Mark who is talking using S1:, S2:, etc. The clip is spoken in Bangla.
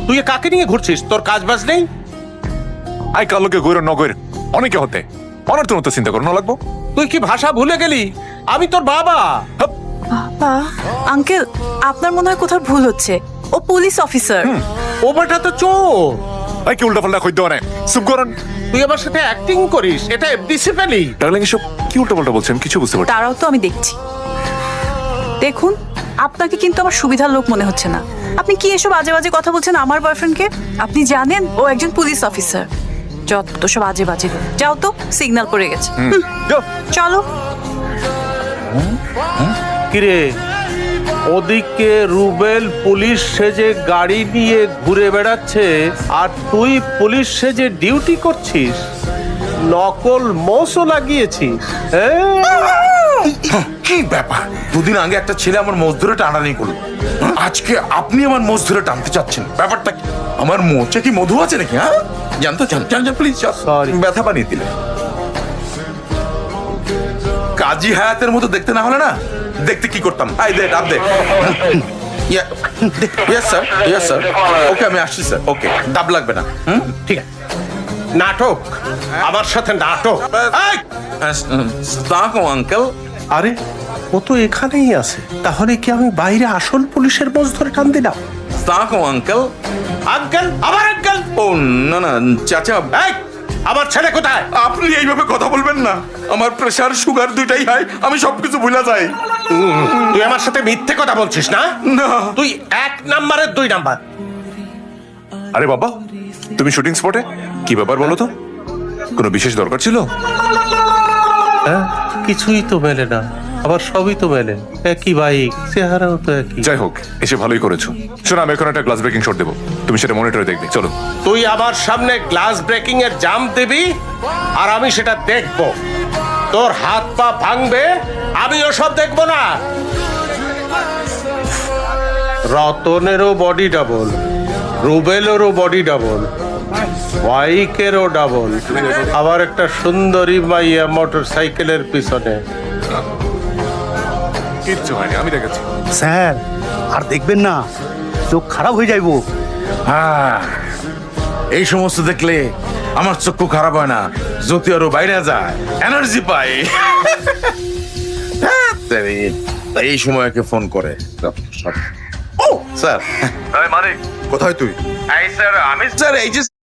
S1: তুই কাকে নিয়ে ঘুরছিস? তোর কাজ বাজ নেই?
S2: আই কালোকে গৈর নগৈর অনেকে হতে অনার তো চিন্তা করো না লাগবো।
S1: তুই কি ভাষা ভুলে গেলি? আমি তোর বাবা।
S3: বাবা, আঙ্কেল আপনার মনে হয় কোথাও ভুল হচ্ছে। ও পুলিশ অফিসার।
S1: ও বেটা তো চোর।
S2: আই কি উল্টা পাল্টা কইতে অনেক চুপ করেন।
S1: তুই আমার সাথে অ্যাক্টিং করিস, এটা এফডিসি ফেলি।
S2: ডার্লিং এসব কি উল্টা পাল্টা বলছেন কিছু বুঝতে পারছি।
S3: তারাও তো আমি দেখছি। দেখুন, আপনাকে কিন্তু আমার সুবিধার লোক মনে হচ্ছে না। আপনি কি এসব আজে বাজে কথা বলছেন আমার বয়ফ্রেন্ডকে? আপনি জানেন ও একজন পুলিশ অফিসার। যত সব আজে বাজে। যাও তো, সিগন্যাল পড়ে গেছে। চলো।
S1: কিরে, ওদিকে রুবেল পুলিশ সেজে গাড়ি নিয়ে ঘুরে বেড়াচ্ছে আর তুই পুলিশ সেজে ডিউটি করছিস। নকল মোষও লাগিয়েছিস।
S4: কি ব্যাপার? দুদিন আগে একটা ছেলে আমার মোষ ধরে টানাটানি করলো, আজকে আপনি আমার মোষ ধরে টানতে চাচ্ছেন? ব্যাপারটা কি? আমার মোচে কি মধু আছে নাকি? হ্যাঁ, জানতো জান প্লিজ।
S1: Sorry.
S4: ব্যথা বানিয়ে দিলে। কাজী হায়াতের মতো দেখতে না হলে না, দেখতে কি করতাম? আই দে ডাব দে। ইয়েস স্যার ওকে, আমি আসছি স্যার। ওকে, ডাব লাগবে না।
S1: ঠিক আছে। নাটক, আমার সাথে নাটক। এই!
S4: আঙ্কেল।
S1: আরে, ও তো এখানেই আছে। তাহলে কি আমি বাইরে আসল পুলিশের মোষ ধরে টান দিলাম?
S4: আঙ্কেল।
S1: আঙ্কেল, আবার আঙ্কেল?
S4: ও না না চাচা।
S1: এই, আমার ছেলে কোথায়?
S4: আপনি এইভাবে কথা বলবেন না। আমার প্রেসার সুগার দুইটাই হাই, আমি সবকিছু ভুলে যাই।
S1: তুই আমার সাথে মিথ্যে কথা বলছিস না?
S4: না,
S1: তুই 1 নাম্বারের 2 নাম্বার।
S2: আরে বাবা, তুমি শুটিং স্পটে কি ব্যাপার বলো তো? কোনো বিশেষ দরকার ছিল?
S1: হ্যাঁ, কিছুই তো মেলে না, আবার সবই তো মেলে। একই বাইক, চেহারাও তো একই।
S2: যাই হোক, এসে ভালোই করেছো। শোনো, আমি এখন একটা গ্লাস ব্রেকিং শট দেবো, তুমি সেটা মনিটরে দেখবে। চলো।
S1: তুই আমার সামনে গ্লাস ব্রেকিং এর জাম্প দিবি আর আমি সেটা দেখব। তোর হাত পা ভাঙবে, আমি ওসব দেখব না। রতনেরও বডি ডাবল, রুবেলেরও বডি ডাবল, বাইকেরও ডাবল, আবার একটা সুন্দরী মাইয়া মোটর সাইকেলের পিছনে।
S2: কিচ্ছু হয়নি, আমি দেখেছি।
S5: স্যার আর দেখবেন না, চোখ খারাপ হয়ে যাইবো।
S4: হ্যাঁ, এই সমস্ত দেখলে আমার চক্ষু খারাপ হয় না, জ্যোতি আরো বাইরে যায়, এনার্জি পাই। এই সময়কে ফোন করে। ও স্যার,
S2: মানিক,
S4: কোথায় তুই?
S1: স্যার, আমি
S4: স্যার এই যে